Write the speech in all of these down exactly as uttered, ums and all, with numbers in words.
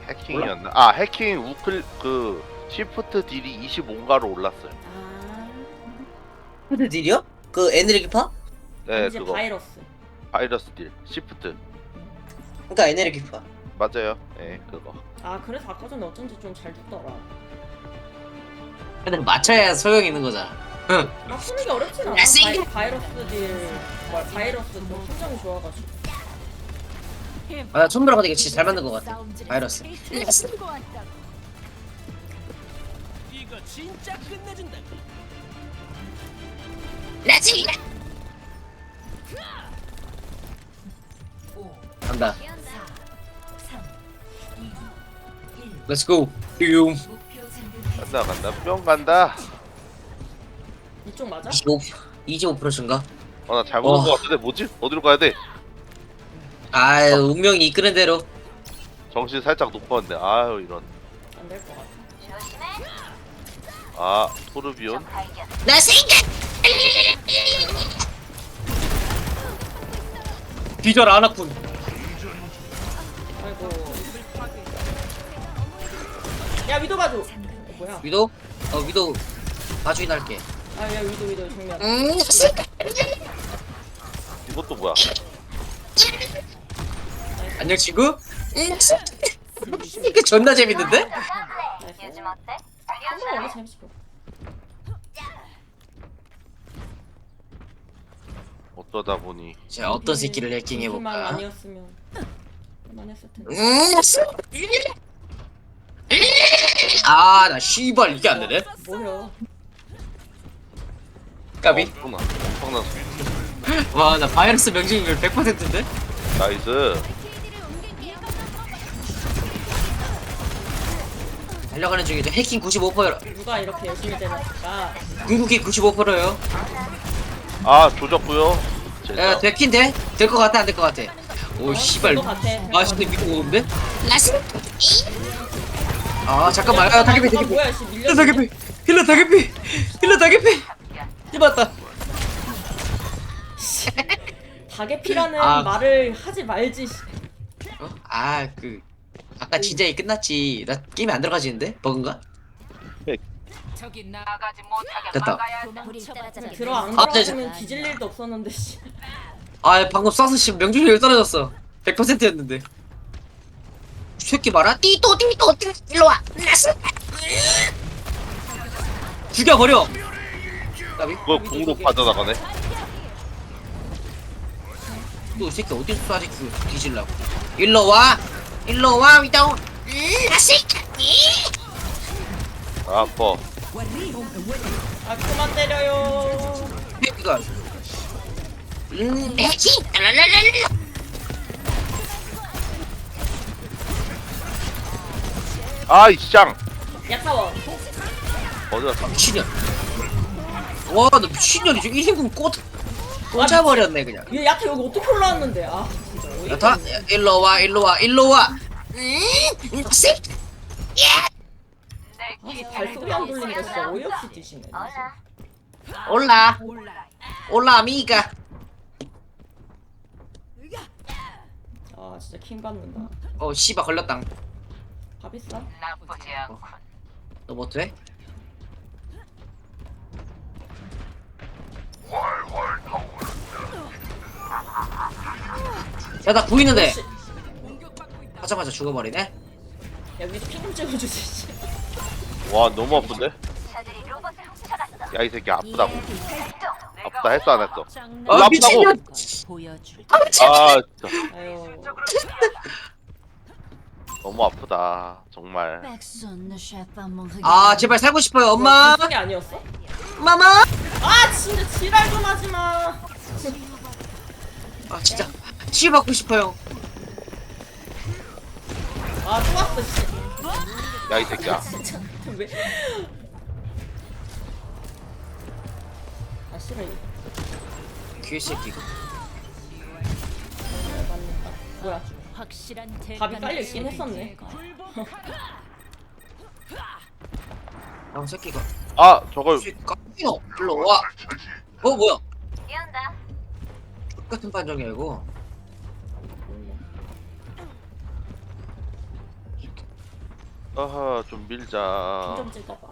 해킹이었나? 아 해킹 우클 그 시프트 딜이 이십오인가로 올랐어요. 아, 근데 딜이요? 그 에너지파? 네 이제 그거 바이러스. 바이러스 딜 시프트 그러니까 에너지파. 맞아요. 예 그거. 아, 그래서 아까 전에 어쩐지 좀 잘 죽더라. 근데 맞춰야 소용 있는 거잖아. 응. 막 쓰는 게 어렵진 않아. 야, 쓰기- 바이, 바이러스 딜, 뭐, 바이러스 뭐 심정이 좋아가지고. 아, 나 손브라가 되게 진짜 잘 만든 것 같아. 바이러스. 이거 진짜 끝내준다. 간다. Let's go. 뿅. 간다 간다 뿅 간다. 이쪽 맞아? 이십오 이십오 퍼센트인가? 어 나 잘못 온 어. 거 같은데 뭐지? 어디로 가야 돼? 아, 운명이 이끄는 대로. 정신 살짝 높았는데 아유 이런. 안 될 것 같아. 아 토르비온. 나 생각. 뒤절 안 왔군. 아이고. 야, 위도 봐줘. 어, 뭐야? 위도? 어, 위도 봐주긴 할게. 아, 야, 위도, 위도, 정면. 음, 이것도 뭐야? 안녕 친구. 이게 존나 재밌는데? 나이스. 한번 원래 재밌어. 어쩌다 보니 자, 어떤 새끼를 만 해킹해볼까? 아니었으면 많이 했을 텐데. 음, 아, 나 씨발 이게 안 되네. 뭐야? 까비. 엄청나 엄청난 소리. 와, 나 바이러스 명중률 백 퍼센트인데? 나이스. 달려가는 중이죠. 해킹 구십오 퍼센트. 누가 이렇게 열심히 때렸을까? 궁극기 구십오 퍼센트요. 아 조졌고요. 야, 제자. 됐긴 돼? 될 것 같아, 안 될 것 같아? 오, 씨발. 될것 같아. 아, 근데 위도 오는데? 아, 잠깐만. 아, 다개피, 아, 다개피. 뭐야, 씨, 밀려. 힐러 다개피. 힐러 다개피. 힐러 다개피. 씹었다. 다개피라는 아. 말을 하지 말지. 씨. 어? 아, 그 아까 진작에 끝났지. 나 게임에 안 들어가지는데? 버그인가? 저기 나가지 못하게 됐다. 막아야 돼. 들어 안 아, 네, 들어가면 뒤질 일도 없었는데. 씨. 아, 방금 쏴서 씨 명중률 떨어졌어. 백 퍼센트였는데. 새끼 봐라. 띠또 띠또 띠 일로 와. 죽여버려. 까비? 그거 공으로 빠져나가네. 또 새끼 어디서 쏴지 그 뒤질라고. 일로 와. 일로 와 위다운. 아, 아파. 아, 그만 때려요. 새끼가. 음, 해치. 랄랄랄랄. 아이 쌍. 약사원. 어디가 다 미친년. 와, 너 미친년이지. 일 인분 꽂 꽂아버렸네 그냥. 얘 야타 여기 어떻게 올라왔는데? 아, 진짜. 어이가 야타, 없네. 일로 와, 일로 와, 일로 와. 음, 새끼. 아, 발소리 안 들리니까 진짜 어이없이 뛰시네. 올라, 올라, 아미가. 아, 진짜 킹 받는다. 어, 씨바 걸렸당. 밥 있어? 나쁘지 않군. 너 뭐 돼? 야, 나 보이는데. 씨. 하자마자 죽어버리네. 야, 위도 핑좀 찍어주지. 씨. 와 너무 아픈데? 야 이 새끼 아프다고. 아프다 했어 안 했어? 아, 아프다고. 미친년. 보여줄. 아 진짜 아유. 너무 아프다 정말. 아, 제발 살고 싶어요, 엄마. 게 아니었어? 마마. 아, 진짜 지랄 좀 하지 마. 아, 진짜 치유 받고 싶어요. 아, 또 왔어, 씨. 야 이 새끼야. 진짜 왜? 아, 싫어. 이거. 귀새끼가. 맞는다. 뭐야? 확실한 밥이 깔려 있긴 했었네. 아, 새끼가. 아 저걸 까이노 일로 와. 어, 뭐야? 똑같은 판정이야 이거. 아하 좀 밀자. 좀 찍어봐.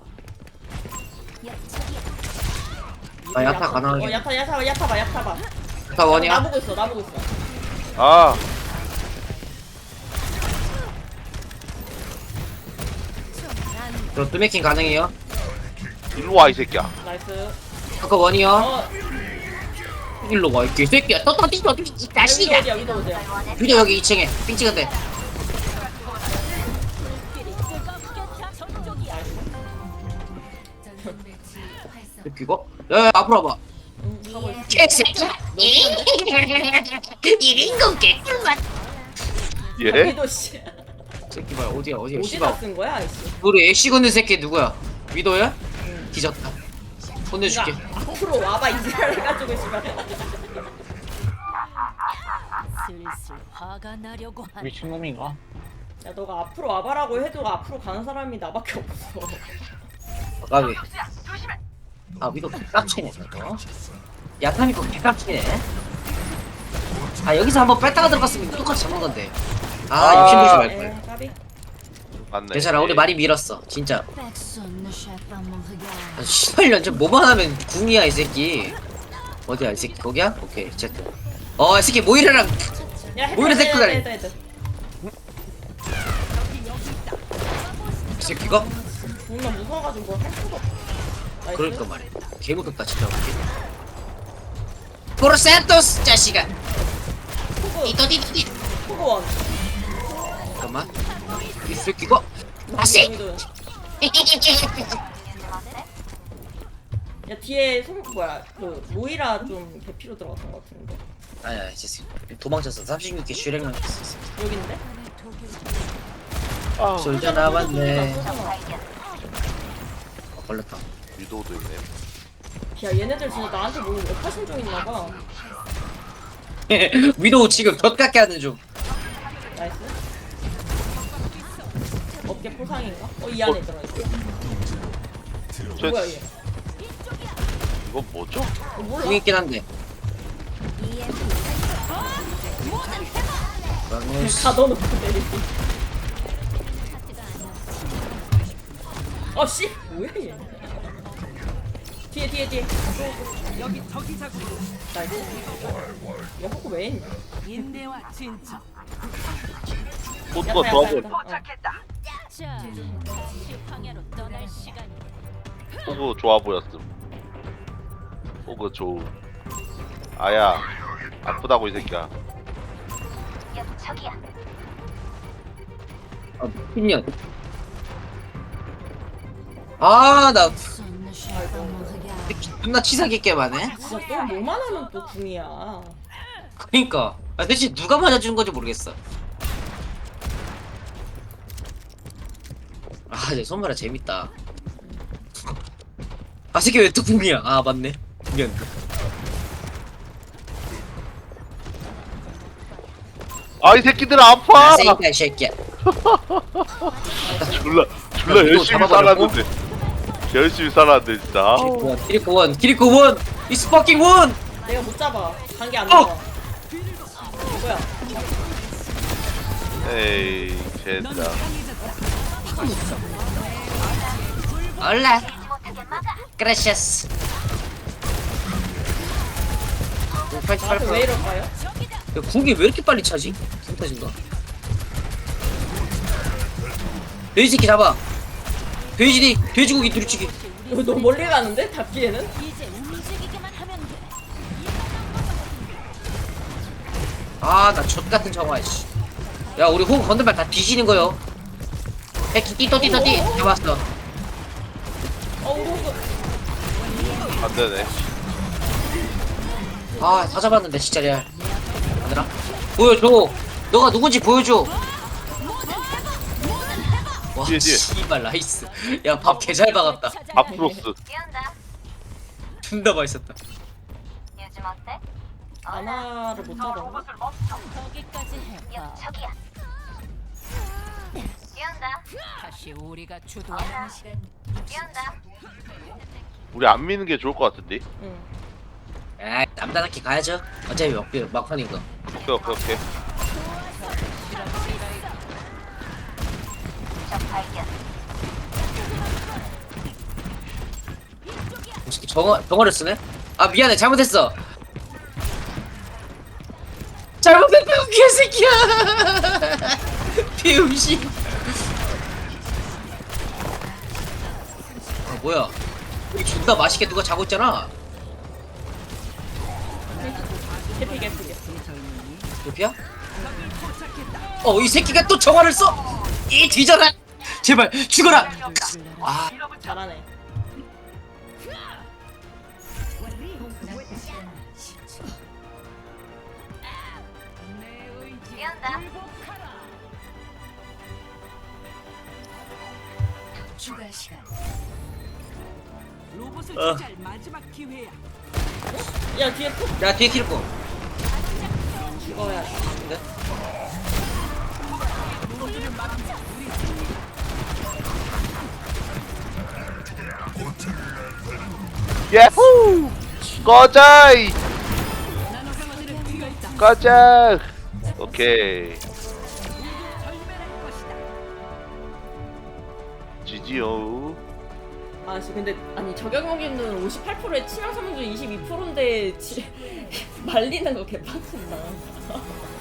아, 야타 가능하게. 어 야타 야타 야타 봐 야타 봐. 다 원이야? 나보고 있어 나보고 있어. 아 저 뚜메킹 가능해요? 일로 와 이 새끼야. 나이스. 아까 원이요? 어 일로 와, 이 새끼야. 또, 또, 또, 또, 이 위도 자식아. 어디야 위도 어디야. 위도 여기 이 층에. 삥 찍은데. 이거? 야, 야, 앞으로 와봐. 응 하고 있어. 개새끼야. 이린 건 개꿀맛. 예? 위도 씨. 새끼 봐요. 어디야, 어디야, 어디다 씨발. 쓴 거야 이씨. 우리 애쉬 걷는 새끼 누구야? 위도야? 응. 뒤졌다. 혼내줄게. 그러니까 앞으로 와봐 이지랄 해가지고 씨발. 슬슬 화가 나려고 한. 미친놈인가? 야 너가 앞으로 와봐라고 해도 앞으로 가는 사람이 나밖에 없어. 아까비. 아, 위도 개깝치네, 저거. 야타미코 개깝치네. 아, 여기서 한번 뺐다가 들어갔으면 똑같이 잡는 건데. 아, 아, 욕심 부리지 말걸. 에 까비. 맞네. 괜찮아, 우리 많이 밀었어, 진짜. Personne ne cherche pas mon regard. 아, 씨발, 연전 뭐만 하면 궁이야, 이 새끼. 어디야, 이 새끼, 거기야? 오케이, 제트. 어, 이 새끼, 모이라랑. 야 헤드 오히려 헤드 데리고 다니. 헤드 헤드. 이 새끼가? 존나 무서워가지고 뭐 할 수가 없어. 나이스. 그러니까 말이야. 개 무섭다, 진짜. 포르센토스, 자식아. 호구 이또디디. 호구원. 잠깐만. 이 새끼가? 맛이! 위도. 야 뒤에 손 뭐야 그 모이라 좀 개피로 들어갔던 것 같은데. 아야, 이제 도망쳤어. 삼십육 개 슈렉만 했어. 여긴데? 아 솔져 남았네. 쏘잖아. 어, 걸렸다. 위도우도 있네. 야 얘네들 진짜 나한테 뭐 역하신 중 있나봐. 위도우 지금 덧깎게 하는 중. 나이스. 어깨 포상인가? 어 이 안에 들어있어. 저 뭐야 얘? 이거 뭐죠? 어, 몰라. 궁 있긴 한데. 그러면 다 넣어놓고 내리지. 어 씨! 뭐야 얘? 뒤에 뒤에 뒤에. 여기 저기 자꾸. 나이스. 야 호구 왜 했냐? 인내와 진정. 호두가 도와줘. 자, 다시 황야로 떠날 시간이. 호구 좋아 보였음. 호구 좋음. 아야 아프다고 이 새끼야. 아, 미친년. 아, 나 Personne ne cherche pas mon regard. 존나 치사하게 게임하네. 진짜 또 뭐만 하면 또 궁이야. 그니까. 아, 대체 누가 맞아준 건지 모르겠어. 아, 내 손마라 재밌다. 아, 새끼 왜 또 궁이야? 아, 맞네. 궁이었네. 아 이 새끼들 아파. 아, 새끼야, 이 새끼야. 졸라 졸라 야, 열심히 위도우 살았는데. 열심히 살았는데 진짜. 아우. 키리코 원, 키리코 원, 이스 퍼킹 원. 내가 못 잡아. 관계 안 어! 나와. 뭐야? 에이 젠장. 올라. 그라시아스. 나한테 왜 이럴까요? 야, 궁이 왜 이렇게 빨리 차지? 궁 터진가? 돼지 새끼 잡아. 돼지디, 돼지고기 두리치기. 이거 너무 멀리 가는데? 잡기에는? 이제 움직이기만 하면 돼. 아, 나 젖같은 정화, 씨. 야, 우리 호흡 건들면 다 뒤지는 거요. 백기 띠또 띠또 띠. 잡았어. 어 호구. 안 되네. 아, 다 잡았는데, 진짜 레알. 얘들아, 보여줘. 너가 누군지 보여줘. 와, 뒤에, 뒤에. 씨발, 나이스. 야, 밥 개 잘 박았다. 아프로스. 존나 맛있었다. 아나를 못 잡아. 거기까지 해봐. 다시 우리가 주도하는 시간. 우리 안 미는 게 좋을 것 같은데. 응. 아, 남자답게 가야죠. 어차피 막, 막판인 거. 오케이 오케이 오케이. 이 새끼 정어, 정어를 쓰네? 아 미안해 잘못했어 잘못했다고 개새끼야 비음식 아 뭐야 여기 존나 맛있게 누가 자고 있잖아 개피 개피 개피. 여기야? 어 이 새끼가 또 정화를 써! 이 뒤져라! 제발 죽어라! 아 잘하네. 추가 시간. 로봇을 어. 투자할 마지막 기회야. 야 뒤에 톡 야 뒤에 키르코 죽어야 돼. 근데? 예후! 꺼져! 이. 꺼져! 오케이. 지지요. 아씨 근데 아니 저격 무기는 오십팔 퍼센트에 치명 삼중 이십이 퍼센트인데 지, 말리는 거 개빡친다.